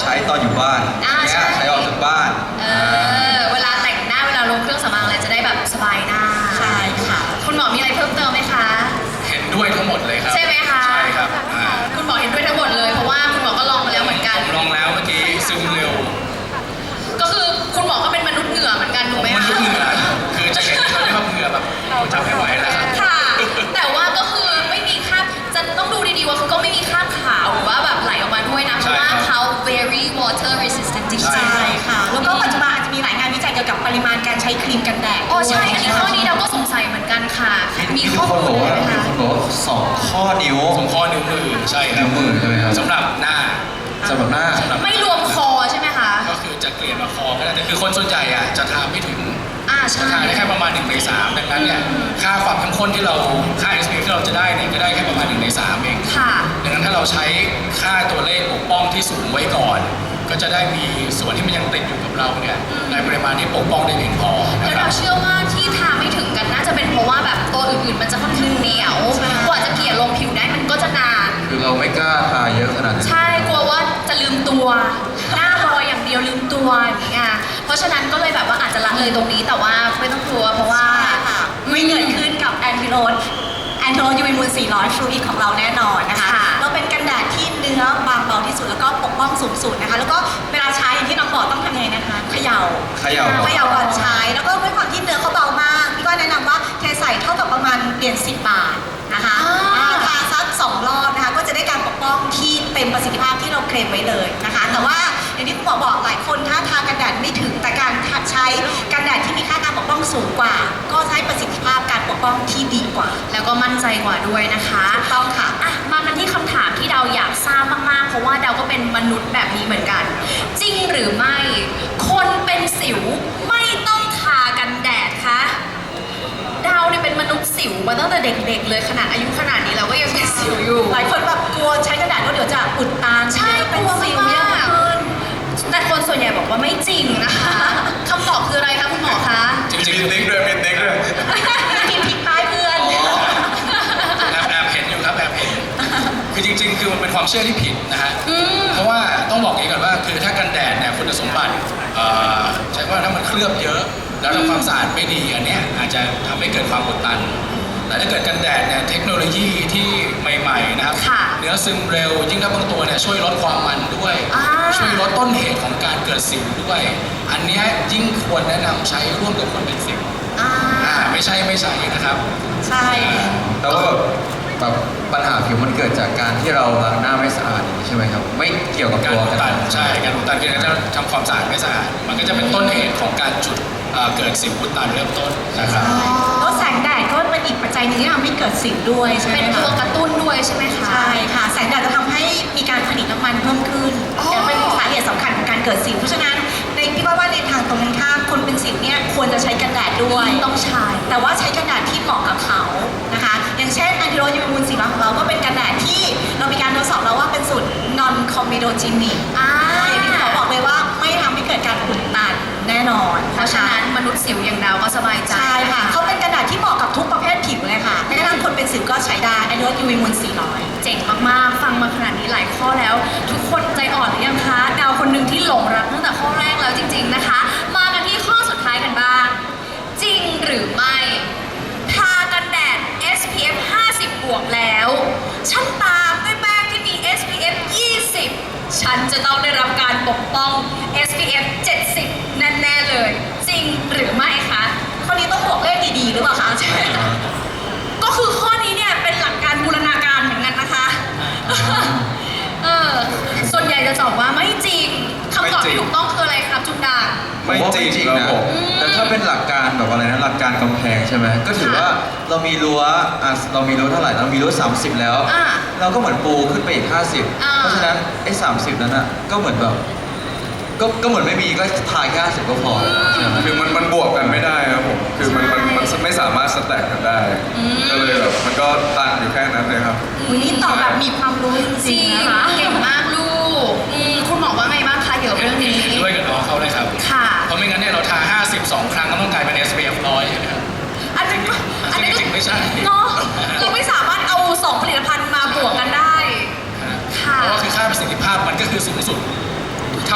Speaker 2: ใช้ตอนอยู่บ้าน
Speaker 3: อ่า
Speaker 2: เนี่ย
Speaker 3: ใช่
Speaker 2: ใช้ออกจากบ้าน
Speaker 3: เออเวลาแต่งหน้าเวลาลงเครื่องสำอางอะไรจะได้แบบสบายหน้า
Speaker 5: ใช่ค่ะ
Speaker 3: คุณหมอมีอะไรเพิ่มเติมไหมคะ
Speaker 4: เห็นด้วยทั้งหมดเลยครับ
Speaker 3: ใช่ไหมคะ
Speaker 4: ใช่ครับอ่า
Speaker 3: คุณหมอเห็นด้วยทั้งหมดเลยเพราะว่าคุณหมอก็ลองมาแล้วเหมือนกัน
Speaker 4: ผมลองแล้วเมื่อกี้ซึมเร็ว
Speaker 3: ก็คือคุณหมอก็เป็นมนุษย์เหงื่อเหมือนกันถูกไหม
Speaker 4: มัน
Speaker 3: คะ
Speaker 4: ลุกเหงื่อคือจะเห็นตอนนี้ว่าเหงื่อแบบเราจับไม่ไหวแล้วครับ
Speaker 3: ค่ะ แต่ว่าก็คือไม่มีคราบจะต้องดูดีๆว่าคือก็ไม่มีคราบขาวหรือว่าแบบไหลออกมาด้วยนะเพ
Speaker 4: ใช่
Speaker 3: ราะว่า
Speaker 4: ครับ
Speaker 3: เขา very water resistant จริง
Speaker 4: ใช่
Speaker 3: ๆ
Speaker 5: ใช่ค่ะ แล้วก็ปัจจุบันอาจจะมีหลายงานวิจัยเกี่ยวกับปริมาณการใช้ครีมกันแดด
Speaker 3: อ๋อใช่
Speaker 5: ด้วย
Speaker 3: อันนี้ข้อนี้เราก็สงสัยเหมือนกันค่ะ มี
Speaker 2: มี
Speaker 3: ข้อ
Speaker 2: คน
Speaker 3: มู
Speaker 2: บ
Speaker 3: ล
Speaker 2: อก
Speaker 3: อะไร
Speaker 2: ว่า
Speaker 3: ไหม
Speaker 2: มี
Speaker 3: คะ
Speaker 2: คนบอกว่าสองข้อนิ้ว
Speaker 4: สองข้อนิ้วมือใช่ครั
Speaker 2: นิ้
Speaker 4: บ
Speaker 2: วมือใช่ไหมครับ
Speaker 4: สำหรับหน้า
Speaker 2: สำหรับหน้า
Speaker 4: สำหรับ
Speaker 3: ไม่รวมคอใช่ไหมคะ
Speaker 4: ก็คือจะเกลี่ยมาคอก็ได้แต่คือคนส่วนใหญ่อะจะทาไม่ถึง
Speaker 3: อ่า
Speaker 4: จะ
Speaker 3: ใช่
Speaker 4: ทาได้แค่ประมาณหนึ่งในสามดังนั้นเนี่ยค่าความเข้มข้นที่เราค่า เอส พี เอฟ ที่เราจะได้เนี่ยก็ได้แค่ประมาณหนึ่งในสามเอง
Speaker 3: ค่ะ
Speaker 4: ดังนั้นถ้าเราใช้ค่าตัวเลขปกป้องที่สูงไว้ก่อน ก็จะได้มีส่วนที่มันยังติดอยู่กับเราเนี่ยในปริมาณที่ปกป้องได้เพียงพอนะ
Speaker 3: แล้ว
Speaker 4: ครั
Speaker 3: เรา
Speaker 4: บ
Speaker 3: เชื่อว่าที่ทาไม่ถึงกันน่าจะเป็นเพราะว่าแบบตัวอื่นๆ มันจะค่อนข้างเหนียว กว่าจะเกลี่ยลงผิวได้มันก็จะนาน
Speaker 2: คือเราไม่กล้าทาเยอะขนาดนั้น
Speaker 3: ใช่ กลัวว่าจะลืมตัว หน้าลอยอย่างเดียวลืมตัวอย่างเงี้ย เพราะฉะนั้นก็เลยแบบว่าอาจจะละเลยตรงนี้ แต่ว่าไม่ต้องกลัวเพราะว่า
Speaker 5: ใช่ค่ะไม่เกิดขึ้นกับแอนติโรดแอนติโรดยูวีมูลสี่ร้อยฟลูอิดของเราแน่นอนนะคะ
Speaker 3: ค่ะ
Speaker 5: เราเป็นกันแดดที่เนื้อบางเบาที่สุดแล้วก็ปกป้องสูงสุดนะคะ แล้วก็เวลาใช้อย่างที่น้องบอกต้องทำยังไงนะคะเขย่า
Speaker 2: เขย่าก่อน
Speaker 5: เขย่าก่อนใช้ แล้วก็ด้วยความที่เนื้อเขาเบามากพี่ก็แนะนำว่าเทใส่เท่ากับประมาณเหรียญสิบบาทนะคะ
Speaker 3: อ่า
Speaker 5: อ่าทาซักสองรอบนะคะก็จะได้การปกป้องที่เต็มประสิทธิภาพที่เราเคลมไว้เลยนะคะ แต่ว่าอย่างที่คุณหมอบอกหลายคนถ้าทากันแดดไม่ถึงแต่การใช้กันแดดที่มีค่าการปกป้องสูงกว่า ก็ใช้ประสิทธิภาพการปกป้องที่ดีกว่า
Speaker 3: แล้วก็มั่นใจกว่าด้วยนะคะ
Speaker 5: ถูกต้องค่ะ
Speaker 3: อ่ะ มากันที่คำถามที่เราอยากทราบมากๆ เพราะว่าเราก็เป็นมนุษย์แบบนี้เหมือนกัน จริงหรือไม่ คนเป็นสิวไม่ต้องทากันแดดคะดาวเนี่ยเป็นมนุษย์สิวมาตั้งแต่เด็กๆ เลยขนาดอายุขนาดนี้เราก็ยังเป็นสิวอยู่
Speaker 5: หลายคนแบบกลัวใช้กันแดดก็เดี๋ยวจะอุดตัน
Speaker 3: ใช่
Speaker 5: เป็น
Speaker 3: กลัว
Speaker 5: สิว
Speaker 3: มาก
Speaker 5: เยอะขึ้น
Speaker 3: แต่คนส่วนใหญ่บอกว่าไม่จริงนะคะคำตอบคืออะไรคะคุณหมอคะ
Speaker 4: จริง
Speaker 1: มี
Speaker 4: ๆ
Speaker 1: ติ๊กด้วยมีติ๊กด้วย
Speaker 5: กินพริกพายเพื่อน
Speaker 4: แอบแอบเห็นอยู่ครับแอบเห็นคือจริง ๆ คือมันเป็นความเชื่อที่ผิดนะฮะ
Speaker 3: อืม
Speaker 4: เพราะว่าต้องบอกอย่างนี้ก่อนว่าคือถ้ากันแดดเนี่ยคุณสมบัติเอ่อใช้ว่าถ้ามันเคลือบเยอะ แล้วทำความสะอาดไม่ดีอันเนี้ยอาจจะทำให้เกิดความอุดตัน แต่ถ้าเกิดกันแดดเนี่ยเทคโนโลยีที่ใหม่ๆนะครับ
Speaker 3: ค่ะ
Speaker 4: เนื้อซึมเร็วยิ่งถ้าบางตัวเนี่ยช่วยลดความมันด้วย
Speaker 3: อ่า
Speaker 4: ช่วยลดต้นเหตุของการเกิดสิวด้วย อันเนี้ยยิ่งควรแนะนำใช้ร่วมกับคนเป็นสิว
Speaker 3: อ่า
Speaker 4: อ่าไม่ใช่ไม่ใช่นะครับ
Speaker 5: ใช่
Speaker 2: แต่ว่าแบบแบบปัญหาผิวมันเกิดจากการที่เราล้างหน้าไม่สะอาดอย่างนี้ใช่ไหมครับ ไม่เกี่ยวกับ
Speaker 4: การ
Speaker 2: ตัว
Speaker 4: อุด
Speaker 2: กัน
Speaker 4: ตันใช่การอุดตันคือการทำความสะอาดไม่สะอาดมันก็จะเป็นต้นเหตุของการจุดเอ่อเกิดสิวอุดตันเริ่มต้นนะครับ
Speaker 5: แล้วแสงแดดก็เป็นอีกปัจจัยหนึงที่ทำให้เกิดสิวด้วยใช่ไหม
Speaker 3: เป็น
Speaker 5: คะ
Speaker 3: ตัวกระตุ้นด้วยใช่ไหมคะ
Speaker 5: ใช่ค่ะ แสงแดดจะทำให้มีการผลิตน้ำมันเพิ่มขึ้น
Speaker 3: อ๋อ
Speaker 5: และเป็นสาเหตุสำคัญของการเกิดสิว เพราะฉะนั้นในพี่ว่าว่าในทางตรงกันข้ามคนเป็นสิวเนี่ยควรจะใช้กันแดดด้วย
Speaker 3: ต้องใช้
Speaker 5: แต่ว่าใช้กันแดดที่เหมาะกับเขานะคะ อย่างเช่นอันติโรยูมูลสีฟ้าของเราก็เป็นกันแดดที่เรามีการทดสอบแล้วว่าเป็นสูตร non comedogenic
Speaker 3: อ่า
Speaker 5: อย่างที่หมอบอกเลยว่าไม่ทำให้เกิดการอุดตันแน่นอน
Speaker 3: เพราะฉะนั้นมนุษย์สิวอย่างเราก็สบายใจ
Speaker 5: ใช่ค่ะเขาเป็นกันแดดที่เหมาะกับทุกประเภทผิวเลยค่ะแม้กระทั่งคนเป็นสิวก็ใช้ได้อันนี้ว่ายูวีมูลสี่ร้อย
Speaker 3: เจ๋งมากๆ ฟังมาขนาดนี้หลายข้อแล้ว ทุกคนใจอ่อนหรือยังคะดาวคนหนึ่งที่หลงรักตั้งแต่ข้อแรกแล้วจริง ๆนะคะ มากันที่ข้อสุดท้ายกันบ้าง จริงหรือไม่ ทากันแดด เอส พี เอฟ ห้าสิบ บวกแล้ว ฉันตามด้วยแป้งที่มี เอส พี เอฟ ยี่สิบ ฉันจะต้องได้รับการปกป้อง เอส พี เอฟ เจ็ดสิบ แน่ๆเลย จริงหรือไม่คะ
Speaker 5: คนนี้ต้องบวกเลขดีๆหรือเปล่าคะใช่
Speaker 3: ก็คือข้อนี้เนี่ยเป็นหลักการบูรณาการเหมือนกันนะคะ เออ ส่วนใหญ่จะตอบว่าไม่จริงคำตอบ
Speaker 1: ไม่จริ
Speaker 3: ที่
Speaker 1: ง
Speaker 3: ถูกต้องคืออะไรครับจุงดา
Speaker 1: ไม่
Speaker 2: ผมว่า
Speaker 1: จริง
Speaker 2: จริง
Speaker 1: ครับ
Speaker 2: นะ
Speaker 1: ผม
Speaker 2: แต่ถ้าเป็นหลักการแบบอะไรนะหลักการกำแพงใช่ไหมก็ถือว่าเรามีรั้วอ่ะเรามีรั้วเท่าไหร่เรามีรั้วสามสิบแล้ว
Speaker 3: อ่า
Speaker 2: เราก็เหมือนปูขึ้นไปอีกห้าสิบ
Speaker 3: อ่า
Speaker 2: เพราะฉะนั้นไอ้สามสิบนั้นอ่ะก็เหมือนแบบก็ก็เหมือนไม่มีก็ทายแค่ห้าสิบก็พอใช่ไหม
Speaker 1: คือมันมันบวกกันไม่ได้ครับผม คือมันมันมันไม่สามารถสแต็กกันได้ ก็เลยแบบมันก็ตันอยู่แค่นั้นเลยครับ
Speaker 5: วันนี้ตอบแบบมีความรู้จ
Speaker 3: จ
Speaker 5: ริ
Speaker 3: ริ
Speaker 5: ง
Speaker 3: ง
Speaker 5: ๆนะคะ
Speaker 3: เก่งมากลูกอืมคุณหมอว่าไงบ้างคะเกี่ยวกับเรื่องนี้
Speaker 4: เห็นด้วยกับน้องเขาเลยครับ
Speaker 3: ค่ะ
Speaker 4: เพราะไม่งั้นเนี่ยเราทาห้าสิบสองครั้งก็ต้องกลายเป็น เอส พี เอฟ ร้อยใช่ไหมครับ
Speaker 3: อันนี้ก็อันนี้
Speaker 4: จริงๆไม่ใช่
Speaker 3: เนาะเราไม่สามารถเอาสองผลิตภัณฑ์มาบวกกันได้ ค่ะ
Speaker 4: เพราะว่าคือค่าประสิทธิภาพมันก็คือสูงสุด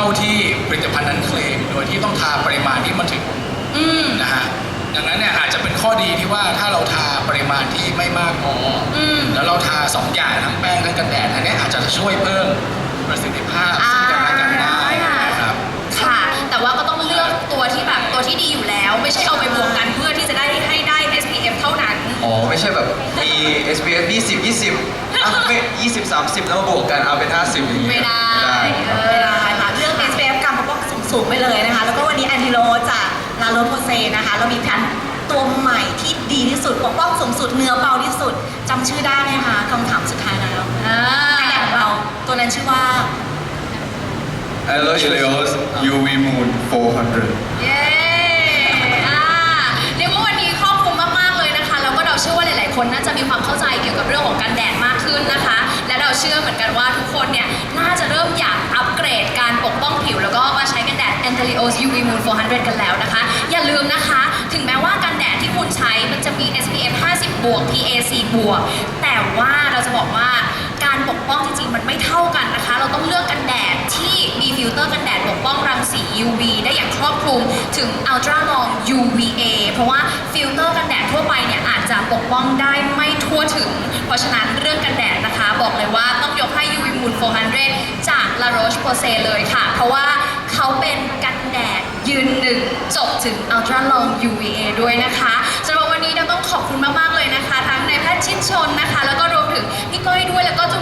Speaker 4: าที่ผลิตภัณฑ์นั้นเคลมโดยที่ต้องทาปริมาณที่มันถึง
Speaker 3: อืม
Speaker 4: นะฮะดังนั้นเนี่ยอาจจะเป็นข้อดีที่ว่าถ้าเราทาปริมาณที่ไม่มากพออ
Speaker 3: ม
Speaker 4: แล้วเราทาสองอย่างทั้งแป้งทั้งกันแดดอันเนี้ยอาจจะช่วยเพิ่มประสิทธิภาพซึ่งกันและกันได้นะครับ
Speaker 3: ค่ะ แต่ว่าก็ต้องเลือกตัวที่แบบตัวที่ดีอยู่แล้ว ไม่ใช่เอาไปบวกกันเพื่อที่จะได้ให้ได้ เอส พี เอฟ เท่านั้น
Speaker 2: อ๋อไม่ใช่แบบมี เอส พี เอฟ ยี่สิบ ยี่สิบอ่ะไม่ยี่สิบ สามสิบแล้วมาบวกกันเอาเป็นห้าสิบอย่างเงี้ย
Speaker 3: ไม่ได้
Speaker 2: ไม่ได้ครับ
Speaker 5: ไม่ได้ค่ะเรื่อง เอส พี เอฟ การปกป้องสูงๆไปเลยนะคะ แล้วก็วันนี้แอนติโรจากลาโรโพเซนะคะ เรามีแผ่นตัวใหม่ที่ดีที่สุดปกป้องสูงสุดเนื้อเบาที่สุดจำชื่อได้ไหมคะคำถามสุดท้ายแล้ว
Speaker 3: อ่า
Speaker 5: กันแดดของเราตัวนั้นชื่อว่า
Speaker 1: Aloe Helios ยู วี Moon โฟร์ฮันเดรด
Speaker 3: เย้อ่าเรียกว่าวันนี้ครอบคลุมมากๆเลยนะคะ แล้วก็เราเชื่อว่าหลายๆ คนน่าจะมีความเข้าใจเกี่ยวกับเรื่องของกันแดดมากขึ้นนะคะ และเราเชื่อเหมือนกันว่าทุกคนเนี่ยน่าจะเริ่มอยากอัปเกรดการปกป้องผิว แล้วก็มาใช้กันแดด Antelios ยู วี Moon โฟร์ฮันเดรดกันแล้วนะคะ อย่าลืมนะคะ ถึงแม้ว่ากันแดดที่คุณใช้มันจะมี เอส พี เอฟ ห้าสิบ บวก พี เอ ซี บวก แต่ว่าเราจะบอกว่าการปกป้องจริงๆ มันไม่เท่ากันนะคะ เราต้องเลือกกันแดดที่มีฟิลเตอร์กันแดดปกป้องรังสี ยู วี ได้อย่างครอบคลุมถึง Ultra Long ยู วี เอ เพราะว่าฟิลเตอร์กันแดดทั่วไปเนี่ยอาจจะปกป้องได้ไม่ทั่วถึง เพราะฉะนั้นเรื่องกันแดดนะคะ บอกเลยว่าต้องยกให้ ยู วี Moon โฟร์ฮันเดรดจาก La Roche-Posay เลยค่ะ เพราะว่าเขาเป็นกันแดดยืนหนึ่งจบถึง Ultra Long ยู วี เอ ด้วยนะคะสำหรับวันนี้เราต้องขอบคุณมากๆเลยนะคะ ทั้งนายแพทย์ชิดชนนะคะ แล้วก็รวมถึงพี่ก้อยด้วยแล้วก็